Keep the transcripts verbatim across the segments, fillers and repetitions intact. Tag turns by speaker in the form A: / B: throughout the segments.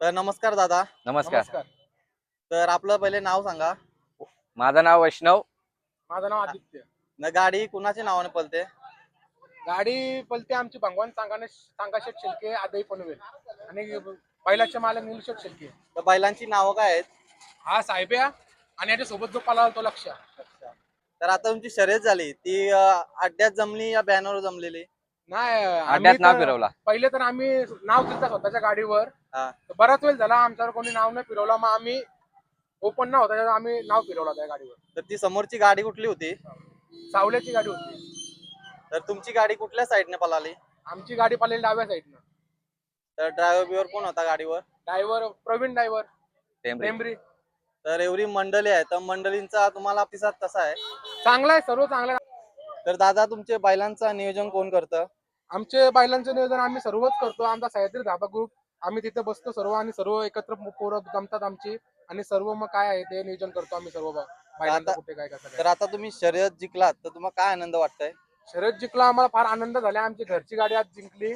A: तर नमस्कार दादा.
B: नमस्कार.
C: नमस्कार.
A: तर आपलं पहिले नाव सांगा.
B: माझं नाव वैष्णव.
C: माझं नाव आदित्य.
A: न गाडी कुणाच्या नावाने पळते?
C: गाडी पलते आमची भगवान सांगाने सांगाशेट शिल्के आदई पनवेल आणि बैलाचे मालक निलशेट शिल्के.
A: तर बैलांची नावं काय आहेत?
C: हा साहेब्या आणि याच्या सोबत जो पळाला तो लक्ष.
A: तर आता तुमची शर्यत झाली ती अं, अड्ड्यात जमली या बॅनरवर जमलेली?
C: नाही आम्ही
B: अड्ड्यात नाव
C: तर-
B: फिरवला.
C: पहिले तर आम्ही नाव दिलं स्वतःच्या गाडीवर.
A: हा.
C: तर बराच वेळ झाला आमच्यावर कोणी नाव नाही फिरवला, मग आम्ही ओपन नाव होता त्याच्यावर आम्ही नाव फिरवला त्या गाडीवर.
A: तर ती समोरची गाडी कुठली होती?
C: सावल्याची गाडी होती.
A: तर तुमची गाडी कुठल्या साईडने पळाली?
C: आमची गाडी पळाली डाव्या साईडनं.
A: तर ड्रायव्हर बिवर कोण होता गाडीवर?
C: ड्रायव्हर प्रवीण ड्रायव्हर
B: टेंबरी.
C: टेंबरी.
A: तर एवढी मंडळी आहे तर मंडळींचा तुम्हाला प्रतिसाद कसा आहे?
C: चांगला आहे, सर्व चांगला आहे.
A: तर दादा तुमचे बैलांचं नियोजन कोण करतं?
C: आमचे बैलांचं नियोजन आम्ही सर्वच करतो. आमचा सह्याद्री धाबा ग्रुप, आम्ही तिथे बसतो सर्व आणि सर्व एकत्र पोरं जमतात आमची आणि सर्व मग काय आहे ते नियोजन करतो आम्ही सर्व बैलांचं कुठे काय कसं
A: तर
C: काय.
A: आता तुम्ही शर्यत जिंकलात तर तुम्हाला काय आनंद वाटतंय?
C: शर्यत जिंकला आम्हाला फार आनंद झाला. आमची घरची गाडी आज जिंकली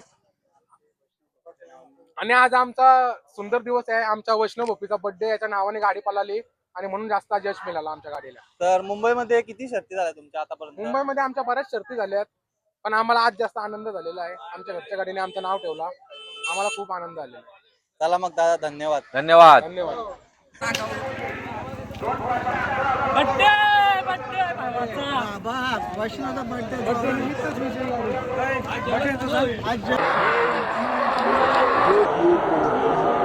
C: आणि आज आमचा सुंदर दिवस आहे. आमच्या वैष्णव भोपीचा बर्थडे, याच्या नावाने गाडी पळाली आणि म्हणून जास्त आज यश मिळालं आमच्या गाडीला.
A: तर मुंबईमध्ये किती शर्ती झाल्या तुमच्या आतापर्यंत?
C: मुंबईमध्ये आमच्या बऱ्याच शर्ती झाल्यात, पण आम्हाला आज जास्त आनंद झालेला आहे. आमच्या घरच्या गाडीने आमचं नाव ठेवला, आम्हाला खूप आनंद झालेला आहे.
A: चला मग दादा, धन्यवाद.
B: धन्यवाद.
C: धन्यवाद.
D: वैष्णवचा बर्थडे